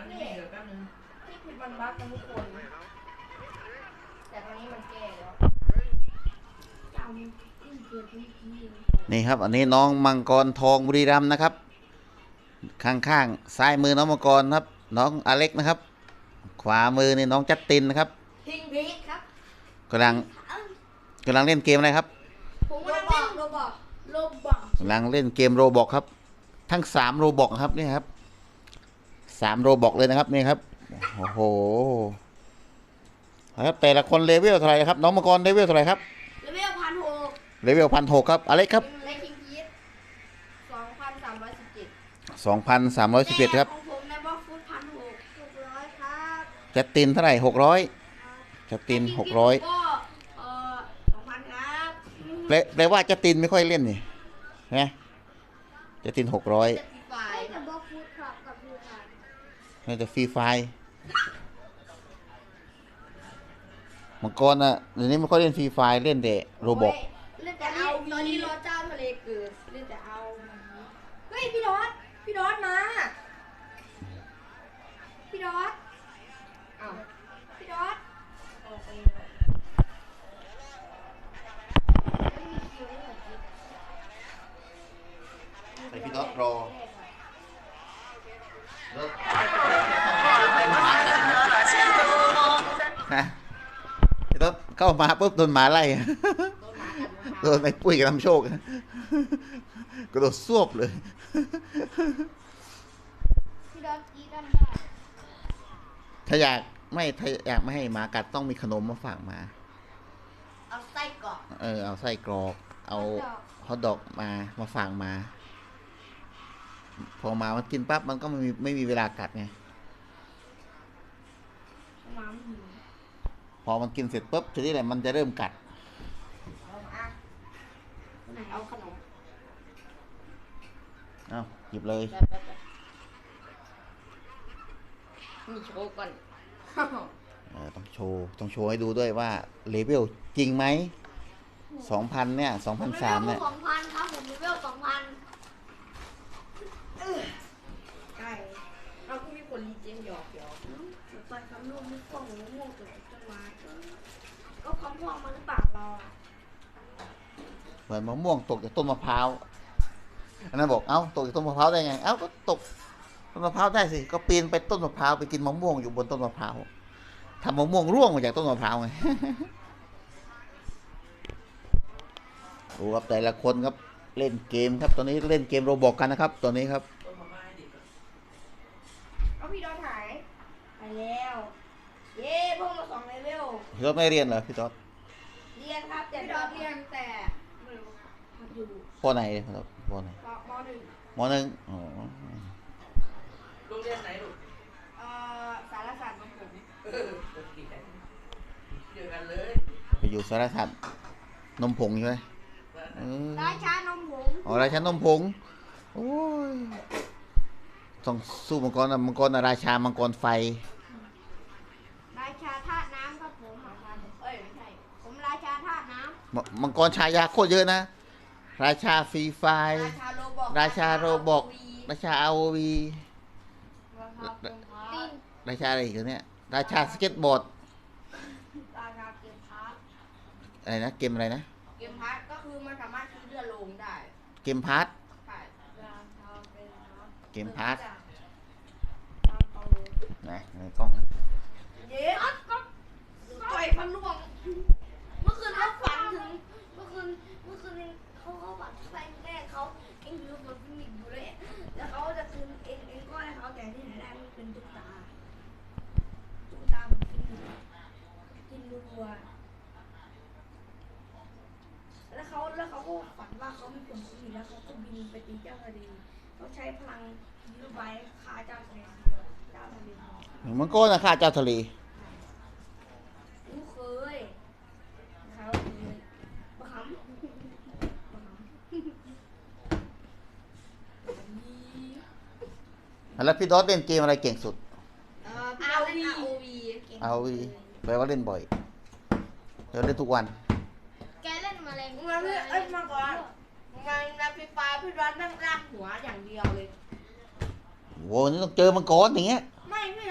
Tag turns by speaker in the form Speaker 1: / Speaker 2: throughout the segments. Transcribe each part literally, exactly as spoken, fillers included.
Speaker 1: มันเดี๋ยวแป๊บนึงที่ผิดมันบั๊กกันทุกคนแต่ตอนนี้มันแก้แล้ว
Speaker 2: นี่ครับอันนี้น้องมังกรทองบุรีรัมย์นะครับข้างๆซ้ายมือน้องมังกรครับน้องอเล็กนะครับขวามือนี่น้องจัสตินนะครับ
Speaker 1: พิงพีครับ
Speaker 2: กำลังกำลังเล่นเกมอะไรครับ
Speaker 1: ผมกำลังเล่นโรบอกโรบอก
Speaker 2: กำลังเล่นเกมโรบอกครับทั้งสามโรบอกครับนี่ครับสามโรบอกเลยนะครับนี่ครับโอ้โหครับแต่ละคนเลเวลเท่าไหร่ครับน้องมังกรเลเวลเท่าไหร่ครับ
Speaker 1: เลเวลพันหก
Speaker 2: เลเวลพันหกครับอเล็กครับ
Speaker 1: เล็กพิงพีสองพันสามร้อยสิบเจ็ด
Speaker 2: สองพันสามร้อยสิบเอ็ดครับ
Speaker 1: ของผมในบล็อกฟุตพันหกหกร้อยครับ
Speaker 2: จัสตินเท่าไหร่หกร้อยจัสตินหกร้อย
Speaker 1: ก็เอ่อสองพันครับ
Speaker 2: แปลแปลว่าจัสตินไม่ค่อยเล่นนี่นะจัสตินหกร้อย
Speaker 1: แต่บล็อกฟุตครับกับดูกัน
Speaker 2: นี่จะฟรีไฟมังกรอ่ะเดี๋ยวนี้ไม่ค่อยเล่นฟรีไฟเล่นแต่โรบอก
Speaker 1: เล่นแต่เอาตอนนี้รอเจ้าทะเลเกิดเล่นแต่เอาเฮ้ยพี่ดอทพี่ดอทมาพี่ดอทอ้าวพี่ดอท
Speaker 2: ไอพี่ดอทรอฮะพี่ดอทเข้ามาปุ๊บโดนหมาไล่โดนไอ้ปุ้ยกับน้ำโชคกระโดดซวบเลย
Speaker 1: พี่ดอทกีดันได้
Speaker 2: ถ้าอยากไม่ถ้าอยากไม่ให้หมากัดต้องมีขนมมาฝากมา
Speaker 1: เอาไส้กรอก
Speaker 2: เออเอาไส้กรอกเอาฮอทดอกมามาฝากมาพอมามันกินปั๊บมันก็ไม่มีไม่มีเวลากัดไงพอมันกินเสร็จปุ๊บทีนี้แหละมันจะเริ่มกัด
Speaker 1: เอาขนม
Speaker 2: เอาหยิบเลย
Speaker 1: มีโชว์ก่อน
Speaker 2: เออต้องโชว์ต้องโชว์ให้ดูด้วยว่าเลเวลจริงไหมสองพันเนี่ยสองพันสามเนี่ย
Speaker 1: สองพันครับผมเลเวลสองพันใช่เราก็มีคนรีเจนหยอกหยอกไปคำนู่นนี่กล้องนี่ม่วงตัวจังหวะก็คำม่วงมาหรือเปล่าเรา
Speaker 2: เหมือนมะม่วงตกจากต้นมะพร้าวอันนั้นบอกเอ้าตกจากต้นมะพร้าวได้ไงเอ้าก็ตกต้นมะพร้าวได้สิก็ปีนไปต้นมะพร้าวไปกินมะม่วงอยู่บนต้นมะพร้าวทำมะม่วงร่วงมาจากต้นมะพร้าวไงดูครับแต่ละคนครับเล่นเกมครับตอนนี้เล่นเกมโรบอกกันนะครับตอนนี้ครับ
Speaker 1: เอาพี่ดอนหายไปแล้วเย้พวกเราสองเลเวล
Speaker 2: พี่ดอทไม่เรียนเหรอพี่ดอท
Speaker 1: เรียนครับแต่พี่ดอนเรียนแต่ไม่รู้อยู่
Speaker 2: ปไหนครับปไหน
Speaker 1: มหนึ่ง
Speaker 2: มหนึ่งอ๋อ
Speaker 3: โรงเรียนไหนลูก
Speaker 1: เอ่อสารศาสตร์ของผม
Speaker 3: เออเดียวกันเลย
Speaker 2: ไปอยู่สารศาสตร์นมผงใช่ไหม
Speaker 1: ราชานมผง
Speaker 2: อ๋อราชานมผงโอ้ยต้องสู้มังกรนะมังกรนะราชามังกรไฟ
Speaker 1: ราชาธาตุน้ำครับผมเอ้ยไม่ใช่ผมราชาธาตุน้
Speaker 2: ำมังกรชายาโคตรเยอะนะราชาฟรีไฟราชาโรบอกราชาอาโอวีราชาอะไรอีกเนี่ยราชาสเก็ตบอร์ด
Speaker 1: ราชาเกมพาร์ท
Speaker 2: อะไรนะเกมอะไรนะ
Speaker 1: เกมพาร์ทก็คือมันสามารถซื้อเรือลงได้
Speaker 2: เกมพาร์ทเกมพาร์ทนะในกล้อง
Speaker 1: เย้ก็ต่อยพันล่วงเมื่อคืนเขาฝันถึงเมื่อคืนเมื่อคืนเขาเขาฝันแฟนแม่เขาเอ็งอยู่บนฟินิกอยู่เลยแล้วเขาจะคืนเอ็งเอ็งก็ให้เขาแต่ที่ไหนได้มันเป็นตุ๊กตาตุ๊กตามันฟินิกกินรัวแล้วเขาแล้วเขาก็ฝันว่าเขามีผลฟินิกแล้วเขาก็บินไปตีเจ้าทะเลเขาใช้พลังยูไบฆ่าเจ้าทะเลเจ้าทะเล
Speaker 2: มันก็นะฆ่าเจ้าทะเล
Speaker 1: ลูกเคยเขาเคยบ้าหำ
Speaker 2: แล้วพี่ดอทเล่นเกมอะไรเก่งสุด
Speaker 1: อาวี
Speaker 2: อาวีแปลว่าเล่นบ่อยเดี๋ยวเล่นทุกวัน
Speaker 1: แกเล่นมาแรงมาพี่เอ้ยมาก่อนมันในไฟฟ้าพี่ดอทนั่งลากหัวอย่างเดียวเลย
Speaker 2: โว้นี่ต้องเจอมังกรอย่างเงี้ย
Speaker 1: ไม่พี่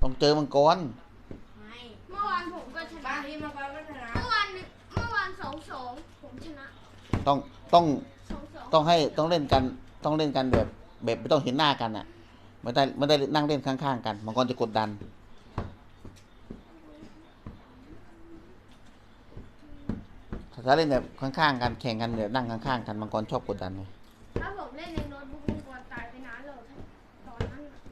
Speaker 2: ต้องเจอมังกร
Speaker 1: ไม่เมื่อวานผมก็ชนะ
Speaker 4: บางทีมังกรก็ชนะ
Speaker 1: เมื่อวานหนึ่งเมื่อวานสองสองผมชนะ
Speaker 2: ต้องต้อง
Speaker 1: สองสอง
Speaker 2: ต้องให้ต้องเล่นกันต้องเล่นกันแบบแบบไม่ต้องเห็นหน้ากันอ่ะไม่ได้ไม่ได้นั่งเล่นข้างๆกันมังกรจะกดดันถ้าเล่นแบบข้างๆกันแข่งกันแบบนั่งข้างๆกันมังกรชอบกดดันไง
Speaker 1: ถ้าผมเล่นในโน้ตบุ๊กมังกรตายไปนานแล้วตอนนั้นน่ะ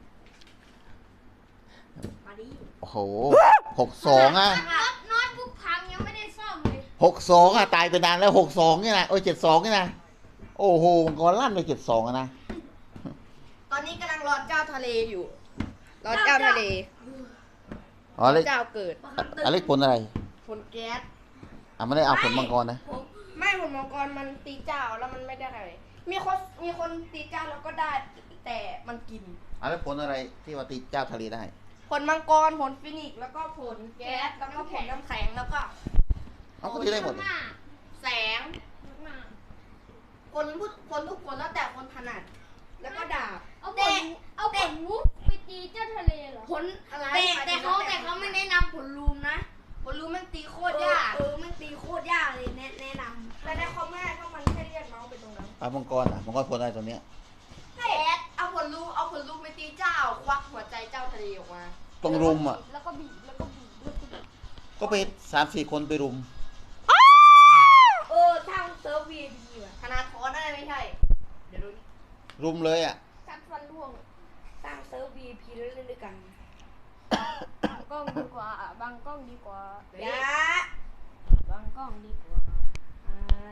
Speaker 1: มาดิ
Speaker 2: โอ้โหหกสองอ่ะ
Speaker 1: โน้ตบุ๊กพังยังไม่ได้ซ่อมเลย
Speaker 2: หกสองอ่ะตายไปนานแล้วหกสองเนี่ยนะโอ้ยเจ็ดสองเนี่ยนะโอ้โหมังกรลั่นไปเจ็ดสองอะนะ
Speaker 4: ตอนนี้กำลังรอเจ้าทะเลอยู่ รอเจ้าทะเล
Speaker 2: อ๋อเล็ก
Speaker 4: เจ้าเกิด
Speaker 2: อเล็กผลอะไร
Speaker 4: ผลแก๊ส
Speaker 2: อ่ะไม่ได้เอาผลมังกรนะ
Speaker 1: ผม
Speaker 4: ไม่ผลมังกรมันตีเจ้าแล้วมันไม่ได้อะไรมีคนมีคนตีเจ้าแล้วก็ได้ แต่มันกิน
Speaker 2: อ่ะแล้วผลอะไรที่ว่าตีเจ้าทะเลได้
Speaker 4: ผลมังกรผลฟินิกซ์แล้วก็ผลแก๊สแล้วก็ผลน้ำแข็งแล้วก็
Speaker 2: เอาก็ตีได้หมด
Speaker 1: มาก
Speaker 4: แสง
Speaker 1: มาก
Speaker 4: คนทุกคนทุกคนแล้วแต่คนถนัด แล้วก็ดาบ
Speaker 1: เอาผ
Speaker 4: แต่
Speaker 1: ลเอาผลวุ้บไปตีเจ้าทะเลเหรอ
Speaker 4: ผลอะไร
Speaker 1: แต่
Speaker 4: หมย
Speaker 1: แต่
Speaker 4: ถึง
Speaker 1: เขา
Speaker 4: ว่
Speaker 1: แต่เขาไม่แนะนำผลลูมนะ
Speaker 4: ผลรู้มันตีโค
Speaker 1: โค
Speaker 4: ต
Speaker 1: ต
Speaker 4: ร
Speaker 1: ร
Speaker 4: ยาย
Speaker 1: าก กเออมันตีโคตรยากเลยแนะแนะนำ
Speaker 4: แต่ในคอมแม่ถ้ามันแค่เรียกเมาส์ไปตรงนั้น
Speaker 2: เอามังกรอ่ะมังกรผลอะไรตัวเนี้ย
Speaker 4: แก๊สเอาผลลูเอาผลลูไปตีเจ้า ควักหัวใจเจ้าทะเลออกมา
Speaker 2: ต้องรุมอ่ะ
Speaker 1: แล้วก็บีบแล้วก็บีบแล้วก็บีบ
Speaker 2: ก็ไปสามสี่คนไปรุม
Speaker 4: เออทางเซิร์ฟวีดีว่ะธนาทรนั่นไม่ใช่ เดี๋ยวดูนี่
Speaker 2: รุมเลยอ่ะ
Speaker 1: กัดฟันร่วง
Speaker 4: สร้างเซิร์ฟวีพีแล้วเล่นด้วยกัน
Speaker 1: บางกล้องดีกว่าอ่ะบางกล้องดีกว่า
Speaker 4: ยะ
Speaker 1: บางกล้องดีกว่า
Speaker 4: อ่า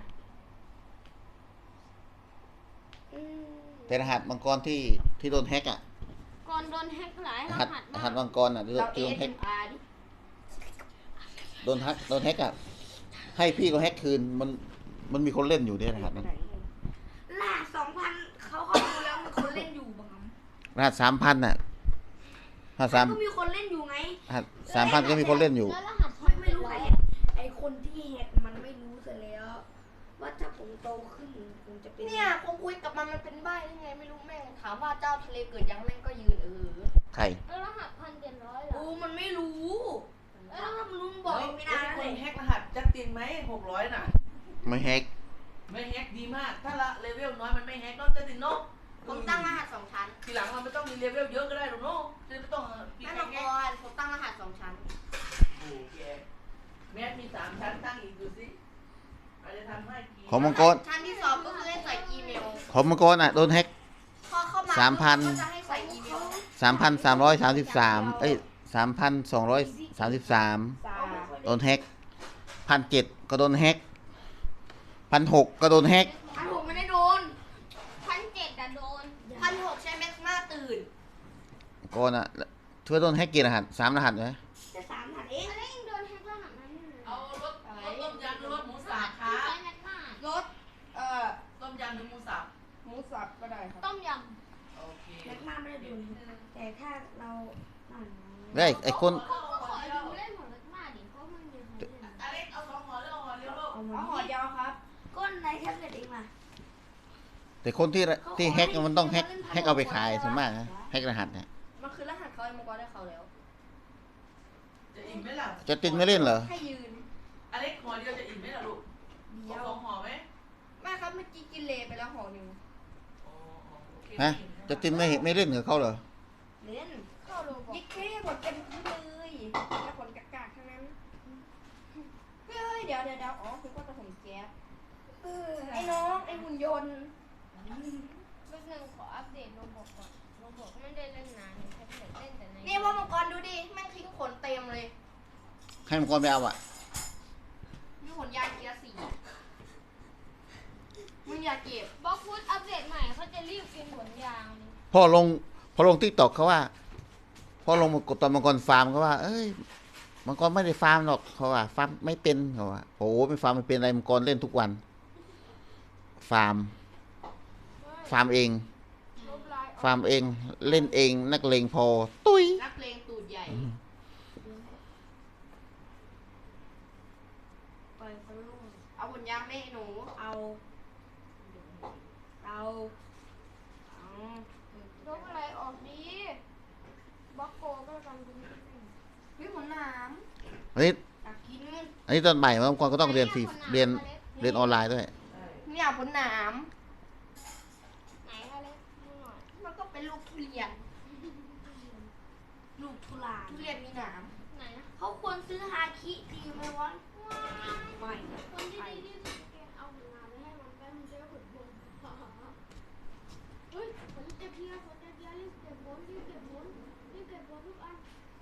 Speaker 4: อืม
Speaker 2: แต่รหัสมังกรที่ที่โดนแฮกอ่ะ
Speaker 1: ก่อนโดนแฮกหลาย
Speaker 2: ร
Speaker 1: ร
Speaker 2: หัส
Speaker 1: หัส
Speaker 2: ร
Speaker 1: มา
Speaker 2: หัส
Speaker 1: ก
Speaker 2: มังกรอ่ะที่
Speaker 4: เรา
Speaker 2: ที่โดนแฮก
Speaker 4: เอ เอ็ม อาร์ดิ
Speaker 2: โดนแฮกโดนแฮกอ่ะให้พี่ก็แฮกคืนมันมันมีคนเล่นอยู่ในรหัสนั้น
Speaker 1: ล่าสองพันเขาเข้าดูแล้วมีคนเล่นอยู่บาง
Speaker 2: รหัสสามพันอ่ะรหัสสาม
Speaker 1: ก็มีคนเล่นอยู่ไง
Speaker 2: รหัสสามพันก็มีคนเล่นอยู่
Speaker 1: แล้วรหัส
Speaker 4: ไม่ไม่รู้ใครแฮกไอคนที่แฮกมันไม่รู้เสร็จแล้ว ว่าถ้าผมโตขึ้นผมจะเป็นเนี่ยผมคุยกับมันมันเป็นใบ้ได้ไงไม่รู้แม่งถามว่าเจ้าทะเลเกิดยังแม่งก็ยืนเออ
Speaker 2: ใคร
Speaker 1: แล้วรหัสพันเจ็ดร้อยเหรอ
Speaker 4: โอ้มันไม่รู้
Speaker 1: แล้วถ้ามันรู้บอกไม่ได้
Speaker 3: ค
Speaker 1: เล
Speaker 3: น
Speaker 1: ย
Speaker 3: แฮกรหัสจัดตินไหมหกร้อยน่ะ
Speaker 2: ไม่แฮก
Speaker 3: ไม่แฮกดีมาก ถ้าละเลเวลน้อยมันไม่แฮกน้องจัดตินเนาะ
Speaker 4: ผมตั้งรหัสสองชั้น
Speaker 3: ทีหลังเราไม่ต้องมีเลเวลเยอะก็ได้หรอกเนาะจะไม่ต้องปี
Speaker 4: แม่
Speaker 3: แฮ
Speaker 4: มัง
Speaker 3: ก
Speaker 4: กรผมตั้งรหัสสองชั้น
Speaker 3: โอ้แกแม้มีสามชั้นตั้งอีกดูสิอาจจะทำให้กี่
Speaker 2: ของมังกร
Speaker 4: ชั้นที่สองก็คือให้ใส่อีเมล
Speaker 2: ของมังกรอ่ะโดนแฮก
Speaker 4: พอเข้ามา
Speaker 2: สามพัน
Speaker 4: ก็จะให้ใส่อีเมล
Speaker 2: สามพันสามร้อยสามสิบสามเอ้ยสามพันสองร้อยสามสิบสาม
Speaker 4: สา
Speaker 2: โดนแฮกพันเจ็ดก็โดนแฮกพันหกก็โดนแฮก
Speaker 1: พันหกไม่ได้โดนพันเจ็ดอะโดน
Speaker 4: พันหกใช้แม็กมาตื่น
Speaker 2: ก่อนอ่ะช่วยโดนแฮกกี่รหัสสามรหัสไหม
Speaker 4: จะสามหัสเอง
Speaker 1: อะไรยังโดนแฮกรหัสนั้นอยู่เลย
Speaker 3: เอารถรถต้มยำหรือรถหมูสับครั
Speaker 1: ใช้
Speaker 3: บ
Speaker 1: แม็กมาร
Speaker 4: ถเอ่อ
Speaker 3: ต้มยำหรือหมูสับ
Speaker 4: หมูสับก็ได้ครับ
Speaker 1: ต้มย
Speaker 3: โอเค
Speaker 4: แม็กมาไม่ได้ดูแต่ถ้าเรานั่น
Speaker 2: เฮ้ยไอ้คน
Speaker 1: ำก็ขอดูเล่นของแม็กมาดิเพราะมันมีคนเล่น
Speaker 3: อเล็กเอาสองห่อหรือเอาห่อเดียวลูก
Speaker 4: เอาห่อเดียวครับ ก้นในแท็บเล็ตเองมา
Speaker 2: แต่คนที่ที่แฮกมันต้องแฮกแฮกเอาไปขายส่วนมากนะแฮกรหัสเนี่ย
Speaker 4: มันคือรหัสเขาไอ้มังกรได้เขาแล้ว
Speaker 3: จะอิ่มไหมล่ะ
Speaker 2: จะตินไม่เล่นเหรอ
Speaker 4: ให้ยืน
Speaker 3: อเล็กห่อเดียวจะอิ่มไหมล่ะลูก
Speaker 4: เดียว
Speaker 3: สองห่อไหม
Speaker 4: แม่ครับเมื่อกี้กินเลไปแล้วห่อหนึ่ง
Speaker 3: อ๋อโอเค
Speaker 2: ฮะจะตินไม่ไม่เล่นกับเขาเหรอ
Speaker 4: เล่น
Speaker 1: เข้าโลบอก
Speaker 4: ยิ่งแค่ผลเต็มที่เลยแล้วผลกากๆทั้งนั้นเฮ้ยเดี๋ยวเดี๋ยวเดี๋ยวอ๋อคือว่าจะผมแก๊สเออไอ้น้องไอ้หุ่นยนต์
Speaker 1: แป๊บนึงขออัปเดตโลบอกก่อนโลบอกไม่ได้เล่นนานแค่เล่นแต่ใน
Speaker 4: นี่พ่อมังกรดูดิแม่งทิ้งขนเต็มเลย
Speaker 2: ให้มังกรไปเอาอ่ะ
Speaker 4: มีขนยางเกียร์สี่มึงอย่าเก็บบ
Speaker 1: ล็อกฟุตอัปเดตใหม่เขาจะรีบกินผลยางเลย
Speaker 2: พอลงพอลงทิกตอกเขาว่าพอลงมากดตอนมังกรฟาร์มเขาว่า เอ้ยมังกรไม่ได้ฟาร์มหรอกเขาว่าฟาร์มไม่เป็นเขาว่าโอ้โหไม่ฟาร์มไม่เป็นอะไรมังกรเล่นทุกวัน ฟาร์มฟาร์มเอง
Speaker 1: ลบไลน์ออก
Speaker 2: ฟาร์มเองเล่นเองนักเลงพอ ตุ้ย
Speaker 4: นักเลงตูดใหญ่ปล่อยเขาลูกเอาขนยางไม่ให้หนูเอาเอาเอา
Speaker 1: ลบอะไรออกดีบล็อกโกก็ทำดี
Speaker 2: อันนี้
Speaker 4: อยากกิน
Speaker 2: อันนี้ตอนใหม่บางคนก็ต้องเรียนฟรีเรียนเรียนออนไลน์ด้วย
Speaker 3: ใช่
Speaker 4: เนี่ยผลหนาม
Speaker 1: ไหนอะไรดูหน่อย
Speaker 4: มันก็เป็นลูกทุเรียน
Speaker 1: ลูกทุลาน
Speaker 4: ทุเรียนมีหนาม
Speaker 1: ไหนนะเขาควรซื้อฮาคิดีไหมวะ
Speaker 4: ไม่
Speaker 1: คนที่ดีที่สุดแกเอาผลงานไปให้มันไปมันจะได้ผลบุญเฮ้ยผลเจ็บเพียผลเจ็บเพียรีบเก็บบนรีบเก็บบนรีบเก็บบนทุกอัน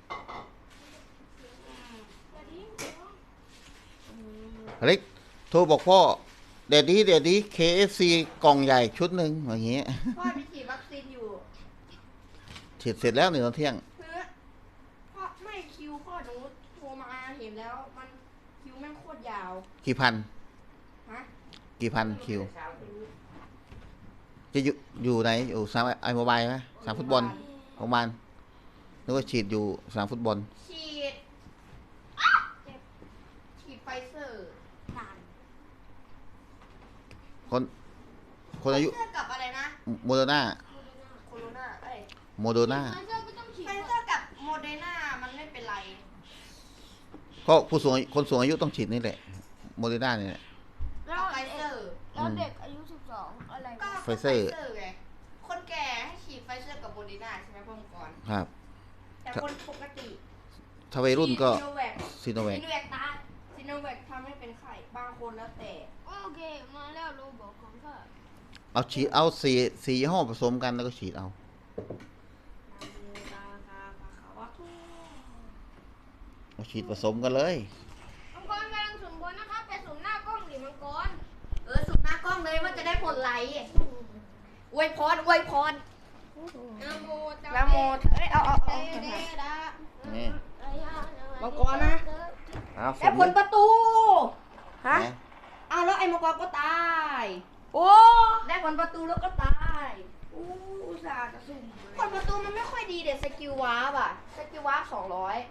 Speaker 1: อย่าทิ้งเดี๋ยว
Speaker 2: อเล็กโทรบอกพ่อเดี๋ยวนี้เดี๋ยวนี้ เค เอฟ ซี กล่องใหญ่ชุดหนึ่งอย่างเงี้ย
Speaker 4: พ่อไปฉีดวัคซีนอยู่
Speaker 2: ฉีดเสร็จแล้วหนึ่งตอนเที่ยง
Speaker 4: คือพ่อไม่คิวพ่อหนูโทรมาเห็นแล้วมันคิวแม่งโคตรยาว
Speaker 2: กี่พัน
Speaker 4: ฮะ
Speaker 2: กี่พันคิว
Speaker 3: เช้าถึง
Speaker 2: จะอยู่อยู่ไหนอยู่สนามไอโมบายไหมสนามฟุตบอลโรงพยาบาลนึกว่าฉีดอยู่สนามฟุตบอล
Speaker 4: ฉีดฉีดไฟเซอร์
Speaker 1: นาน
Speaker 2: คนคนอายุ
Speaker 4: ไฟเซอร์กับอะไรนะ
Speaker 2: โมเดอร์นา
Speaker 4: โคโรนาเอ้ย
Speaker 2: โมเดอร์นา
Speaker 1: ไฟเซอร์ก็ต้องฉีด
Speaker 4: ไฟเซอร์กับโมเดอร์นามันไม่เป็นไร
Speaker 2: ก็ผู้สูงอายุคนสูงอายุต้องฉีดนี่แหละโมเดอร์นาเนี่ยแหละ
Speaker 1: แล้
Speaker 4: กับ
Speaker 1: ว
Speaker 4: ไฟเซอร์
Speaker 1: แล้วเด็กอายุสิบสองอะไร
Speaker 4: ก็
Speaker 1: วะ
Speaker 2: ไฟเซอร์
Speaker 4: ไงคนแก่ให้ฉีดไฟเซอร์กับโมเดอร์นาใช่ไหมพ่อมงก่อน
Speaker 2: ครับ
Speaker 4: แต่คนปกติ
Speaker 2: ถ้าวัยรุ่นก็
Speaker 4: ซีโนแวค
Speaker 2: ซีโนแว
Speaker 4: ซี
Speaker 2: ค
Speaker 4: โนแวคตายซีโนแวคทำให้เป็นไข้บางคนแล้วแต่
Speaker 1: โอเคมาแล้วโรบอกของข้า
Speaker 2: เอาฉีดเอาสีสียี่ห้อผสมกันแล้วก็ฉีดเอาเอาฉีดผสมกันเลย
Speaker 1: มังกรกำลังสุ่มบนนะครับไปสุ่มหน้ากล้องดิมังกร
Speaker 4: เออสุดหน้ากล้องเลยว่าจะได้ผลไหลอวยพรอวยพร
Speaker 1: นะโมตัส
Speaker 4: นะโมเอ้ยเอาเอาเอา
Speaker 1: เตเดดะ
Speaker 2: นี่
Speaker 4: มังกรนะ
Speaker 2: เอา
Speaker 4: ได้ผลประตูฮะ
Speaker 2: นะ
Speaker 4: อ้าวแล้วไอ้มังกรก็ตาย
Speaker 1: โอ้
Speaker 4: ได้ผลประตูแล้วก็ตายอู้อุตส่าห์จะสุ่มผลประตูมันไม่ค่อยดีเด็ดสกิลวาร์ปอะสกิลวาร์ปสองร้อย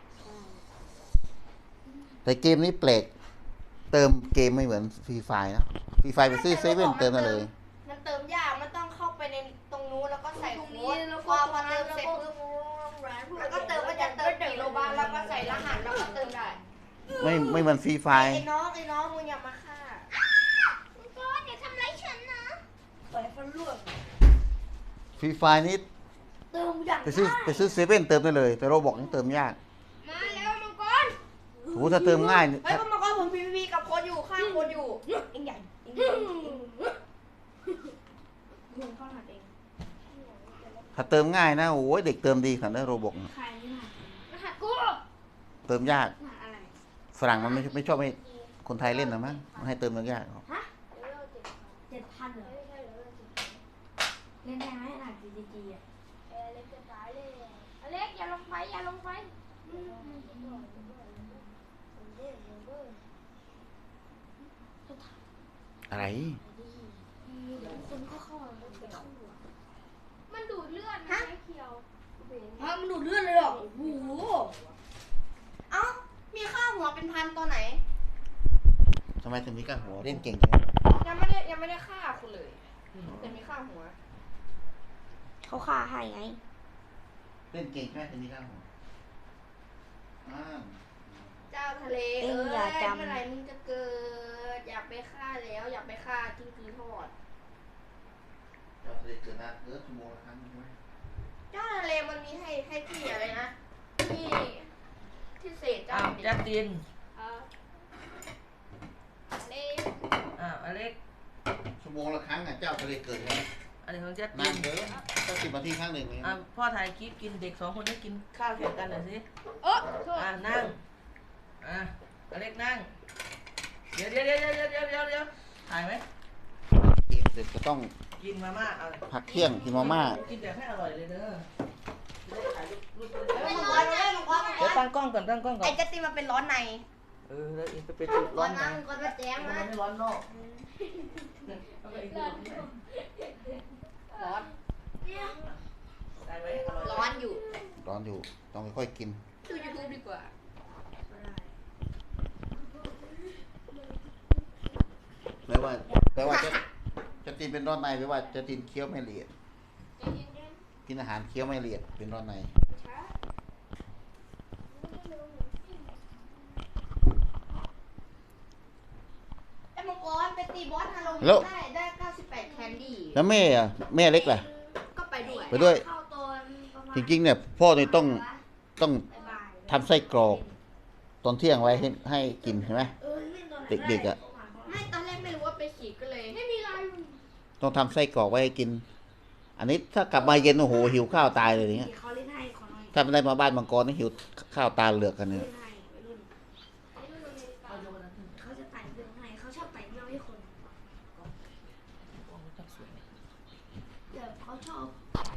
Speaker 2: แต่เกมนี้แปลกเติมเกมไม่เหมือนฟรีไฟนะฟรีไฟไปซื้อเซเว่นเติมมาเลย
Speaker 4: มันเติมยากมันต้องเข้าไปในตรงนู้นแล้วก็ใส่
Speaker 1: ตรง
Speaker 4: โค้
Speaker 1: นี้
Speaker 4: ด
Speaker 1: แล้ว
Speaker 4: พ
Speaker 1: ก็
Speaker 4: อ
Speaker 1: ต
Speaker 4: พ
Speaker 1: ร
Speaker 4: อง เติ
Speaker 1: นั้น
Speaker 4: ม
Speaker 1: แล้ว
Speaker 4: เสร็จ
Speaker 1: ก็
Speaker 4: ปุ๊บแล้วก็เติมมันจะเติมกี่โลบาทแล้วก็ใส่รหัสแล้วก็เติมได้
Speaker 2: ไม่ไม่เหมือนฟรีไฟ
Speaker 4: ไอ้น้องไอ้น้องมึงอย่ามาฆ่า
Speaker 1: มังกรอย่าทำไรายฉันนะ
Speaker 4: ปล่อยฟันล่วง
Speaker 2: ฟรีไฟนี่
Speaker 4: เติมอย่าง
Speaker 2: ไปซื้อไปซื้อเซเว่นเติมได้เลย แต่เราบอกนี่เติมยาก
Speaker 1: มาแล้วมังกร
Speaker 2: โอ้ถ้าเติมง่ายนี่
Speaker 4: เฮ้ยพ่อมาก็ผมพีพีกับโค้ดอยู่ข้างโค้ดอยู่เอ็งใหญ่เอ็งใหญ่มึงเข้ารหัสเอง
Speaker 2: ถ้าเติมง่ายนะโอ้ยเด็กเติมดีขนาดนั้นโรบอก
Speaker 1: ใครนี่นะรหัสกู
Speaker 2: เติมยาก
Speaker 1: รหัสอะไร
Speaker 2: ฝรั่งมันไม่ไม่ชอบให้คนไทยเล่นนะมั้งมันให้เติมยากๆ
Speaker 1: ฮะเจ็ดพันเหรอเล่นได้ไหมรหัส จี จี จี อ่ะเอเล็กจะตายเลยอเล็กอย่าลงไปอย่าลงไปอืม
Speaker 2: อะไร
Speaker 1: เดี๋ยวคนก็เข้ามาแล้วไปเข้าหัวมันดูดเลือดนะไอ้เขียวเบน
Speaker 4: ฮะมันดูดเลือดเลยเหรอโอ้โหเอ้ามีค่าหัวเป็นพันตัวไหน
Speaker 2: ทำไมถึงมีกล้าหัวเล่นเก่งจัง
Speaker 4: ยังไม่ได้ยังไม่ได้ฆ่าคุณเลยแต่มีค่าหัว
Speaker 1: เขาฆ่าให้ไง
Speaker 2: เล่นเก่งใช่ไหมถึงมีกล้าหัวอ่า
Speaker 4: เจ้าทะเล
Speaker 1: เอ็
Speaker 4: เอ้
Speaker 1: ง
Speaker 4: ย
Speaker 1: อย่าจำ
Speaker 4: เมื่อไหร่มึงจะเกิด อยากไปฆ่าแล้ว อยากไปฆ่ากิ้งกือทอด
Speaker 2: เจ้าทะเลเกิดนานเกิดชั่วโมงละครั้งใช่ไหม
Speaker 4: เจ้าทะเลมันมีให้ให้ที่อะไรนะที่ที่เศษเจ้า
Speaker 3: อ้าว
Speaker 4: บิน
Speaker 3: จัสติน
Speaker 1: เออเล็ก
Speaker 3: อ้าวอเล็ก
Speaker 2: ชั่วโมงละครั้งอ่ะเจ้าทะเลเกิดใช่ไหม
Speaker 3: อันนี้ของจัสติ
Speaker 2: นาน
Speaker 3: น
Speaker 2: เกินก็สิบนาทีครั้งหนึ่งเอง
Speaker 3: อ่ะพ่อถ่ายคลิปกินเด็กสองคนได้กินข้าวแข่งกันหน่อยสิ
Speaker 1: เออโทษ
Speaker 3: อ่ะนั่ง อ่ะอเล็กนั่ง เดี๋ยวเดี๋ยวเดี๋ยวเดี๋ยวเดี๋ยวเดี๋ยวเดี๋ยวถ่ายไหม
Speaker 2: เกมเสร็จก็ต้อง
Speaker 3: กินมาม่าเอา
Speaker 2: พักเที่ยงกินมาม่า
Speaker 3: กินแบบให้อร่อยเลยเด้อจะได้ถ่ายรูปรูป
Speaker 4: เฮ้ยมังกรเฮ้ยมังกรมังก
Speaker 3: เดี๋ยว
Speaker 4: ร
Speaker 3: ตั้งกล้องก่อนตั้งกล้องก่อ
Speaker 4: ไอ้
Speaker 3: น
Speaker 4: จัสตินมันเป็นร้อนใน
Speaker 3: เออแล้วอีกจะเป็นจุดร้อน
Speaker 4: นะ
Speaker 3: นะ
Speaker 4: มังกรมาแจ้ง
Speaker 3: ทำไม
Speaker 4: นะ
Speaker 3: ไม่ร้อนนอกแล้วก็อีกจุดที่ไหน
Speaker 4: ร้อน
Speaker 3: ได้ไหมอร่อยไหม
Speaker 4: ร้อนอยู่
Speaker 2: ร้อนอยู่ต้องค่อยๆกิน
Speaker 4: ดูยูทูบดีกว่า
Speaker 2: แปลว่าแปลว่าจะจะตีนเป็นร้อนในแปลว่าจะตีนเคี้ยวไม่ละเอียด
Speaker 1: ใจเย็น
Speaker 2: กินอาหารเคี้ยวไม่ละเอียดเป็นร้อนใน
Speaker 1: ๆช้า
Speaker 4: กรไปตีบอสฮาโลวีน
Speaker 2: แล้ว
Speaker 4: ได้ได้เก้าสิบแปดแคนดี้
Speaker 2: แล้วแม่อะแม่เล็กล่ะ
Speaker 4: ก็ไปด้วย
Speaker 2: ไปด้วย
Speaker 1: เข้าตอนประมาณ
Speaker 2: จริงๆเนี่ยพ่อเนี่ยต้องต้อง
Speaker 1: บ่ายๆ
Speaker 2: ทำไส้กรอกตอนเที่ยงไว้ให้ให้กินเห็นไหม
Speaker 1: เออเล่นตอนไหน
Speaker 2: เด็กๆอะ
Speaker 4: ไม่ตอนแรกไม่รู้ว่าไปฉีดก็เลย
Speaker 1: ไม่มีอะไร
Speaker 2: ต้องทำไส้กรอกไว้ให้กิน อันนี้ถ้ากลับมาเย็นโอ้โหหิวข้าวตายเลยอย่างเงี้ย
Speaker 1: เขาเล่นให้ขอหน่อย
Speaker 2: ถ้าไม่ได้มาบ้านมังกรนี่หิวข้าวตาเหลือกกันเนี่ย
Speaker 1: เล่นให้วัยรุ่นวัยรุ่นอเมริกาเขาจะไต่เรื่องให้เขาชอบไต่เรื่องให้คนเดี๋ยวเขาชอบ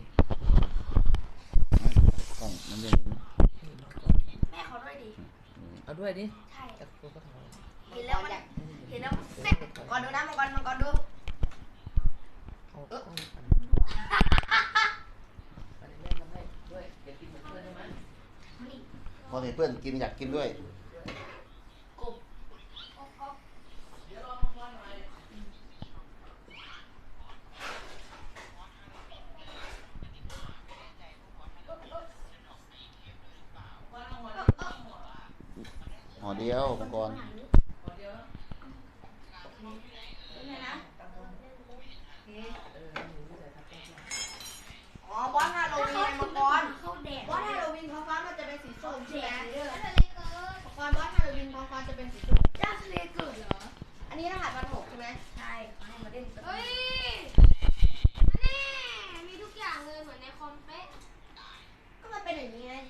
Speaker 2: กล้องมันจะเห็น
Speaker 1: แม่เขาด้วยดิ
Speaker 3: เอาด้วยดิ
Speaker 1: ใช่
Speaker 3: จับตัวก็ทำ
Speaker 1: เห็นแล้วมันเห็นแล้วมันแซ่บ
Speaker 4: มังกรดูนะมังกรมังกรดู
Speaker 3: เอาเอาไปแม่ทำให้ด้วยอยากกินเหมือนเพื่อนใช่ไหม
Speaker 1: นี่
Speaker 2: พอเห็นเพื่อนกินอยากกินด้วย
Speaker 1: กบอ๊อกอ๊อก
Speaker 3: เดี๋ยวรอมังกรหน่อยวางหัวแล้ววางหัว
Speaker 2: ห่อเดียวมังกร
Speaker 3: หัวเดียวแล้ว
Speaker 1: เป็นไงนะ
Speaker 3: ตั้งลงเออหนูที่ใส่ทับแก้ว
Speaker 4: อ๋อบอสฮาโลวีนไงมังกร
Speaker 1: เข้าแดด
Speaker 4: บอสฮาโลวีนท้องฟ้ามันจะเป็นสีส้มใช่ไหม
Speaker 1: เด้อ
Speaker 4: มังกรบอสฮาโลวีนท้องฟ้าจะเป็นสีส้ม
Speaker 1: เจ้าทะเลเกิดเหรอ
Speaker 4: อันนี้รหัสวันหกใช่ไหม
Speaker 1: ใช่เขาให้มาเล่น
Speaker 5: เฮ้ยแน่มีทุกอย่างเลยเหมือนในคอมเป๊ะ
Speaker 4: ก็มันเป็นอย่างนี้ไง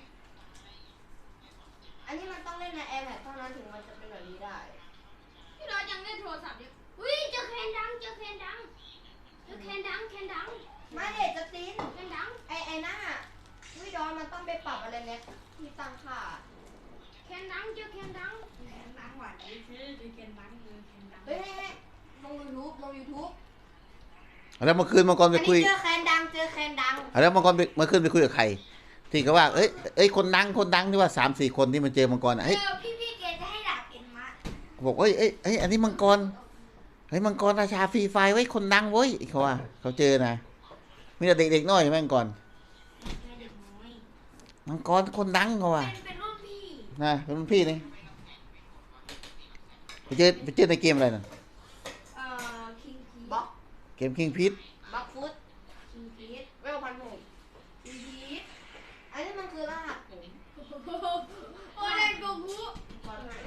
Speaker 4: อันนี้มันต้องเล่นใน iPad เท่านั้นถึงมันจะเป็นแบบนี้ได้
Speaker 5: พี่น้อยยังเล่นโทรศัพท์อยู่อุ้ยเจอแคนดังเจอแคนดังเจอแคนดังแคนดัง
Speaker 4: มาเด็ดจะตีน
Speaker 5: แคนดัง
Speaker 4: ไอ้ไอ้นั่นอะวิดอนมันต้องไปปรับอะไรเนี่ยที่ตั้งค่า
Speaker 5: แคนดังเจอแคนดัง
Speaker 1: แคนดังหวานนี่คือเป็นแคนดังคือแคนดัง
Speaker 4: เฮ้ยเฮ้ยเฮ้ยลง YouTube ลง YouTube
Speaker 2: แล้วเมื่อคืนมังกร
Speaker 4: อัน
Speaker 2: ไป
Speaker 4: นี้
Speaker 2: คุย
Speaker 4: เจอแคนดังเจอแคนดัง
Speaker 2: แล้วมังกรไปเมื่อคืนไปคุยกับใครที่เขาว่าเอ้ยเอ้ยคนดังคนดังที่ว่าสามสี่คนที่มันเจอมังกรอ่ะ
Speaker 1: เอ
Speaker 2: เฮ้ย
Speaker 1: อพี่พี่เกจะให้ดาบเอ็นมา
Speaker 2: บอกเอ้ยเอ้ยเอ้ยอันนี้มังกรเฮ้ยมังกรราชาฟรีไฟไว้ยคนดังเว้ยเขาว่าเขาเจอนะมีแต่เด็กๆน้อยแม่งก่อน
Speaker 1: แม่เด็กน้อย
Speaker 2: มังกรคนดังเขาว่า
Speaker 1: เป็นเป็นรุ่นพี่
Speaker 2: นะเป็นรุ่นพี่นี่ไปเจอไปเจอในเกมอะไรน่ะ
Speaker 1: เอ่อคิงพี
Speaker 4: บล็อก
Speaker 2: เกมคิงพิษ
Speaker 4: บล็อกฟุต
Speaker 1: คิงพีท
Speaker 4: เวลพันหก
Speaker 1: คิงพีท
Speaker 4: อันนี้มันคือรหัสผม
Speaker 5: โอ้เล่นโกกุ
Speaker 4: ขอโทษ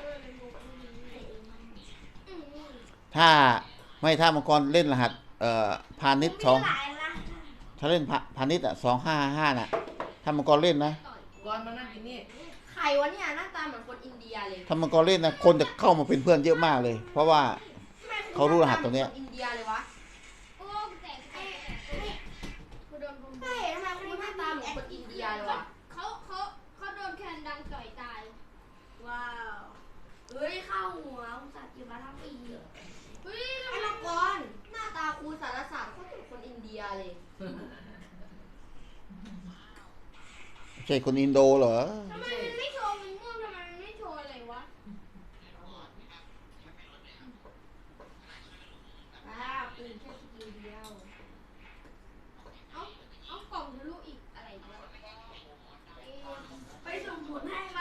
Speaker 5: อืม
Speaker 2: ถ้าไม่ถ้ามังกรเล่นรหัสเอ่อพาณิชย์สอง
Speaker 1: มีหลายละ
Speaker 2: ถ้าเล่นพาพาณิชย์อ่ะสองห้าห้าน่ะถ้ามังกรเล่นนะ
Speaker 3: ก่อนมานั่งกินนี่
Speaker 4: ใครวะเนี่ยหน้าตาเหมือนคนอินเดียเลย
Speaker 2: ถ้ามังกรเล่นนะคนจะเข้ามาเป็นเพื่อนเยอะมากเลย เพราะว่า เขารู้รหัสตรงเนี้ย
Speaker 4: ทำไมคอินเดียเลยวะ
Speaker 5: โอ้แตกแตกกูโดนบุม
Speaker 4: ใช่ทำไมคนหน้าตาเหมือนคนอินเดียเลยวะ
Speaker 5: เขาเขาเขาโดนแคนดังต่อยตาย
Speaker 1: ว้าวเฮ้ยเข้าหัวอุตส่าห์เก็บมาทั้งปี
Speaker 5: เฮ้ย
Speaker 4: ไอ้มังกรหน้าตาครูสารศาสตร์เขาเหมือนคนอินเดียเลย
Speaker 2: ใช่คนอินโดเหรอ
Speaker 5: ทำไมมันไม่โชว์มันม่วงทำไมมันไม่โชว์อะไรวะ
Speaker 1: ว้าวปืนแค่สกิลเดียว
Speaker 5: เอาเอากล่องทะลุอีกอะไรวะเอ๊ะ
Speaker 1: ไปส่งผลให้ไหม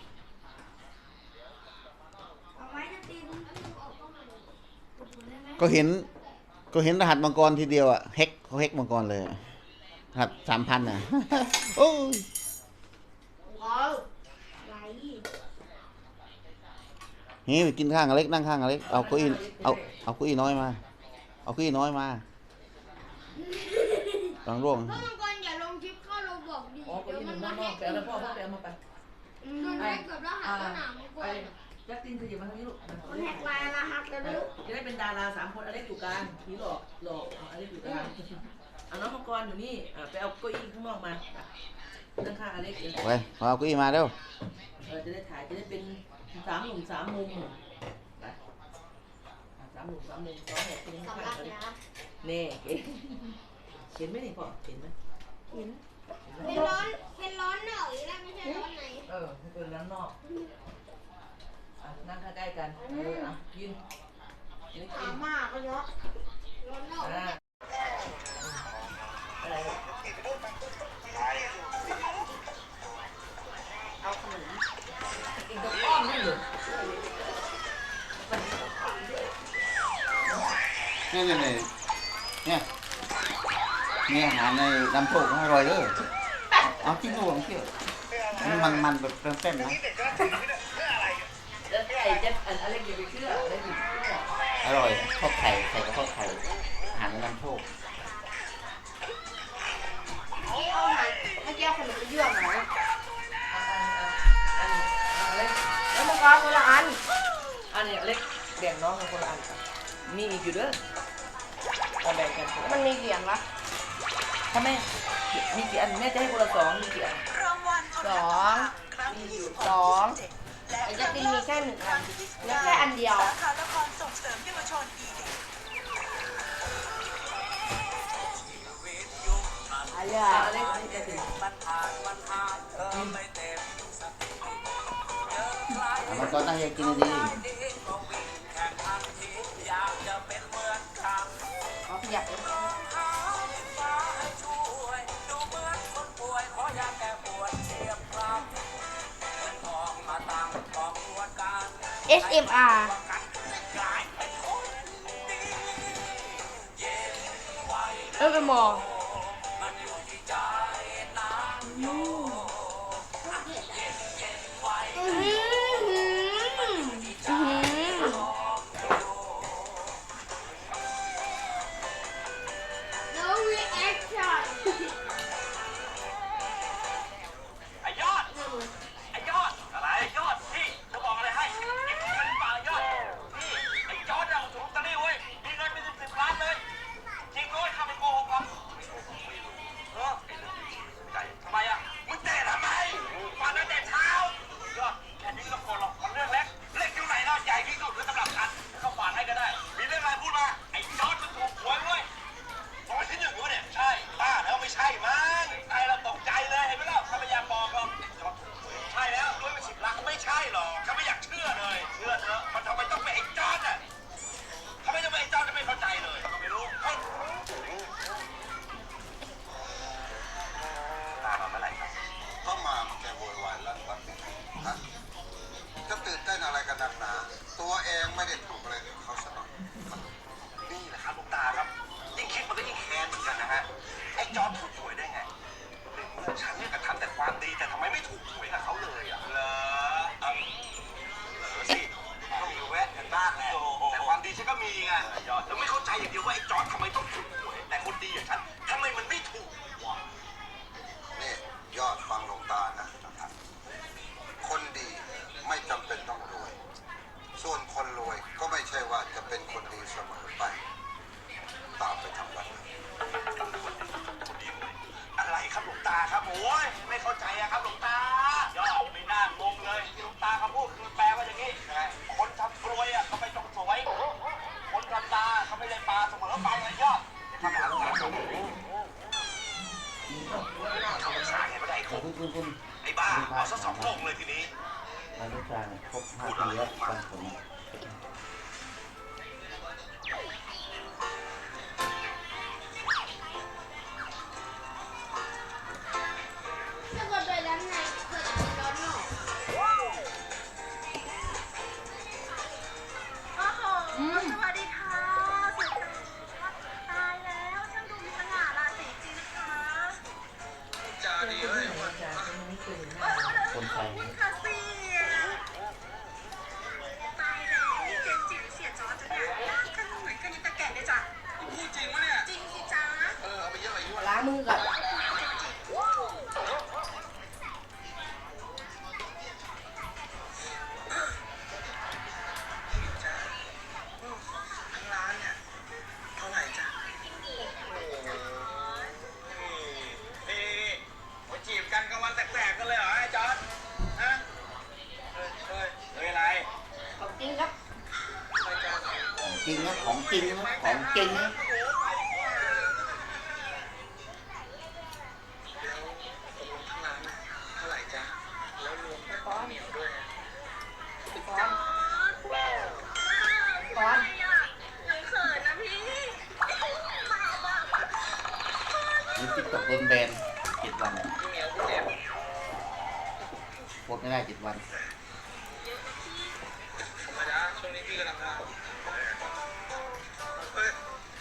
Speaker 1: เอาไหมจะตีน
Speaker 5: แล้วมึงออกกล้องมาเลย
Speaker 1: ส่งผลได้ไหม
Speaker 2: ก็เห็นก็เห็นรหัสมังกรทีเดียวอ่ะแฮกเขาแฮกมังกรเลยอะรหัสสามพันอ่ะ โอ้ย
Speaker 4: ว้าว
Speaker 1: ไหล
Speaker 2: นี่ไปกินข้างอเล็กนั่งข้างอเล็กเอาเก้าอี้เอาเอาเก้าอี้น้อยมา เอาเก้าอี้น้อยมาหลังร่วง
Speaker 5: พ่อมังกรอย่าลงคลิปเข้าเราบอกดี
Speaker 3: อ๋อคน
Speaker 5: เดี๋ยว
Speaker 3: ที่ห
Speaker 5: มั
Speaker 3: นึ่
Speaker 5: น
Speaker 3: ง
Speaker 5: มา
Speaker 3: น้อง
Speaker 5: แฮ
Speaker 3: ๆ
Speaker 5: ก
Speaker 3: ไปเอาแล้วพ่อพ่อไปเอามาไป
Speaker 5: โดนแฮกกับรหัสสนามมังก
Speaker 3: ไอ้
Speaker 5: ร
Speaker 3: จัสตินขยับมาทางนี้ลูก
Speaker 1: คนแหกลายรหัสกัน
Speaker 3: เอ
Speaker 1: ไม่
Speaker 3: อ
Speaker 1: รู้
Speaker 3: จะได้เป็นดาราสามคนอเล็กอยู่กลางผีหลอกหลอกเอาอเล็กอยู่กลางเอาน้องมังกรอยู่นี่อ่ะไปเอาเก้าอี้ข้างนอกมานั่งข้างอเล็กเออ
Speaker 2: ไปเอาเก้าอี้มาเร็ว
Speaker 3: เออจะได้ถ่ายจะได้เป็นสามหนุ่มสามมุมไปอ่ะสามหนุ่มสามมุมสองหกเป็นข้าง
Speaker 4: สำลัก
Speaker 3: อเล็ก
Speaker 4: นะ
Speaker 3: เน่เห็นเห็นไหมนี่พ่อเห็นไหม
Speaker 1: เห็น
Speaker 3: เห็นไหม
Speaker 5: เป็นร้อนเป็นร้อนเหน่อยแล้วไม่ใช่ร้อนไหน
Speaker 3: เออมันเป็นร้านนอกอ่ะนั่งใกล้ๆกันเอออ่ะยืนยืน
Speaker 4: ถา
Speaker 3: กิ
Speaker 4: ม
Speaker 3: น
Speaker 4: มากก็เยอะ
Speaker 5: ร้อนนอก
Speaker 3: อ่าอะไรเอาขนมอีกตรงอ้อมนี่เหรอ
Speaker 2: เนี่ยเนี่ยเนี่ยเนี่ยเนี่ยอาหารในน้ำโชคอร่อยเลยเอาจิ้มดูลองเชื่อมันมันแบบเต้นๆนะ
Speaker 3: แล้วไอ้เจ๊อันอะไรอย่าไปเชื่ออะไรอย่าไปเชื่อ
Speaker 2: อร่อยทอดไข่ไข่กับทอดไข่อาหารในน้ำโชค
Speaker 4: เอาหาเมื่อกี้คนอื่นเยื่อหน่อย
Speaker 3: อันอันอันเล็ก
Speaker 4: แล้วมันก็คนละอัน
Speaker 3: อันนี้เล็กแบ่งน้องกันคนละอันมีอีกอยู่เด้อเอาแบ่งกันคนละ
Speaker 4: มันมีเหรียญปะ
Speaker 3: ถ้าไม่มีกี่อันแม่จะให้คนละสองมีกี่อัน
Speaker 4: สองสองไอ้จะตีมีแค่หนึ่งอันแล้วแค่อันเดียวอะไร
Speaker 3: อ่ะ
Speaker 4: อ่ะ
Speaker 3: อันเล็กอันเล็กถึง
Speaker 2: มันก็ตั้งใจกินดี
Speaker 4: เอาขยับเลย เอส เอ็ม อาร์ เออเป็นหมออื้อหืออื้อหือ
Speaker 5: no reaction
Speaker 6: ไอ้ยอด ไอ้ยอด อะไรยอด พี่จะบอกอะไรให้เก็บเงินเปล่ายอด พี่ ไอ้ยอดเอาถูกตะลี่เว้ย มีเงินเป็นสิบสิบล้านเลย จริงด้วยข้าไม่โกหกหรอกเออใจทำไมอ่ะมึงเตะทำไมฟันตั้งแต่เช้ายอดแค่นี้ก็โกรธหรอกมันเรื่องเล็ก เล็กอยู่ไหนเนาะใหญ่ที่สุดคือสำหรับฉันเข้าฝานให้ก็ได้ มีเรื่องอะไรพูดมา ไอ้ยอดมันถูกหวยเว้ยบอกว่าที่หนึ่งวะเนี่ยใช่บ้าแล้วไม่ใช่มั้งไอ้เราตกใจเลยเห็นไหมล่ะถ้าไม่อยากบอกหรอกใช่แล้วด้วยเป็นสิบล้านก็ไม่ใช่หรอกก็ไม่อยากเชื่อเลยเชื่อเถอะมันทำไมต้องเป็นไอ้จอนอ่ะทำไมต้องเป็นไอ้จอนจะไม่เข้าใจเลยก็ไม่รู้ตามมาเมื่อไหร่ครับ
Speaker 7: ก็มาแกโวยวายลั่นวัดฮะจะตื่นเต้นอะไรกันนักหนา ตัวเองไม่ได้ถูกอะไรกับเขาซะหน่อย
Speaker 6: นี่แหละครับหลวงตาครับยิ่งคิดมันก็ยิ่งแค้นเหมือนกันนะฮะไอ้จอนถูกหวยได้ไงฉันเนี่ยก็ทำแต่ความดีแต่ทำไมไม่ถูกหวยกับเขาเลยอ่ะเหรอเอาเหรอสิก็มีแวะกันบ้างแหละแต่ความดีฉันก็มีไงยอดแล้วไม่เข้าใจอย่างเดียวว่าไอ้จอนทำไมต้องถูกหวยแต่คนดีอย่างฉันทำไมมันไม่ถูกวะ
Speaker 7: นี่ยอดฟังหลวงตานะคนดีไม่จำเป็นต้องรวย ส่วนคนรวยก็ไม่ใช่ว่าจะเป็นคนดีเสมอไป ตามไปทำวัด
Speaker 6: อะไรครับหลวงตาครับโอ้ยไม่เข้าใจอะครับหลวงตายอดไม่น่างงเลยที่หลวงตาเขาพูดคือแปลว่าอย่างนี้คนทำกลวยอะเขาไม่ต้องสวยคนทำตาเขาไม่ได้ปลาเสมอไปเลยยอดทำหลังตาทำภาษาไงไม่ได้
Speaker 2: ๆแต่คุณคุณคุณ
Speaker 6: ไอ้บ้าเอาซะสองโลกเลยทีนี้
Speaker 2: เราลูกชายครบห้าปีแล้วฟังผม
Speaker 5: ถ้าเกิดไปด้านในเกิดอะไรร้อนหนอ
Speaker 8: โอ้โหสวัสดีค่ะสุดตายแล้วช่างดูมีสง่าราศีจริงนะคะ
Speaker 7: จาดีเอ้ย
Speaker 2: คนไทย
Speaker 8: ค่ะเสียตายแล้วเจนจิ๋วเสียจอจะเนี่ยรักกันเหมือนกันตะแก่เลยจ้ะ
Speaker 7: พูดจริงวะเนี่ย
Speaker 8: จริงสิจ้า
Speaker 7: เออ เอาไปเยอะอายุ
Speaker 4: ล้างมือก่อน
Speaker 7: ทั้งร้านเนี่ย เท่าไหร่จ้ะ
Speaker 6: นี่มาจีบกันกลางวันแสกๆกันเลยเหรอไอ้จอร์ดฮะเฮ้ยเฮ้ยเฮ้ยอะไร
Speaker 4: ของจริงครับ
Speaker 2: จริงนะของจริงนะของจริงนะ
Speaker 7: แล้วตกลงทั้งร้านน่ะเท่าไหร่จ้ะ แล้วรวมกับข้าวเหนียวด้วยอะ
Speaker 4: ก้อนก้อน
Speaker 8: หนูเขินนะพี่
Speaker 2: นี่ติ๊กต็อกโดนแบนเจ็ดวัน
Speaker 7: พี่เหนียวพี่เจ็บ
Speaker 2: โพสไม่ได้เจ็ดวัน
Speaker 7: ธรรมดาช่วงนี้พี่กำลังทำเฮ้ย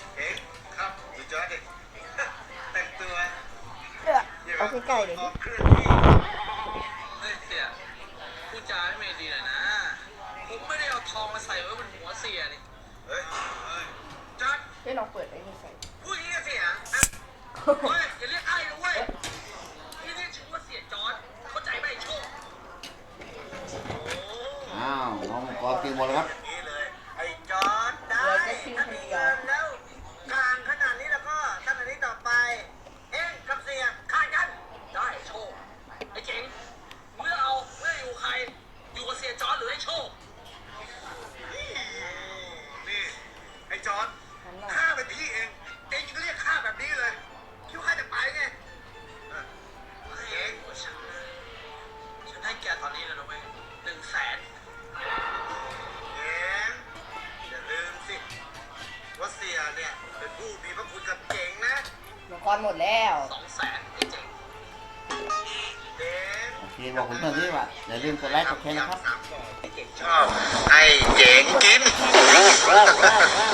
Speaker 7: จอร์ดดิแต่งตัว
Speaker 4: เออเอาใกล้ๆเลย
Speaker 7: ออกเครื่องที่
Speaker 6: เฮ้ยเสียพูดจาไม่ดีหน่อยนะ ผมไม่ได้เอาทองมาใส่ไว้บนหัวเสียนี่
Speaker 7: เฮ้ยเฮ้ยจอร์ด
Speaker 4: ให้ลองเปิดไอ้นี่ใส่
Speaker 6: พูดอย่างนี้กับเสียอะเฮ้ยอย่าเรียกไอ้นะเว้ยนี่เรียกชื่อว่าเสียจอร์ดเข้าใจไหมไอ้โชค
Speaker 2: อ้าวน้องมังกรกินหมดแล้วครับ
Speaker 7: อย่างนี้เลย ไอ้จอร์ดได้ถ้ามีเงินแล้วกลางขนาดนี้แล้วก็ตั้งแต่นี้ต่อไป เอ็งกับเสียขาดกัน
Speaker 6: ได้โชค ไอ้เจ๋งเมื่อเอาเมื่ออยู่ใคร อยู่กับเสียจอร์ดหรือไอ้โชค
Speaker 7: นี่ไอ้จอร์ดข้าเป็นพี่เอง เองยังเรียกข้าแบบนี้เลย คิดว่าข้าจะไปไงเออ
Speaker 6: เองว่าฉันนะฉันให้แกตอนนี้เลยนะเว้ยหนึ่งแสน
Speaker 7: เองอย่าลืมสิว่าเสียเนี่ยเป็นผู้มีพระคุณกับเจ๋งนะ
Speaker 4: มังกรหมดแล้ว
Speaker 6: สองแสนไอ้เจ๋ง
Speaker 7: เจ๋ง
Speaker 2: โอเคบอกผมเพื่อนที่ว่าอย่าลืมกดไลค์กดแชร์นะครับ
Speaker 7: ชอบให้เจ๋งกิน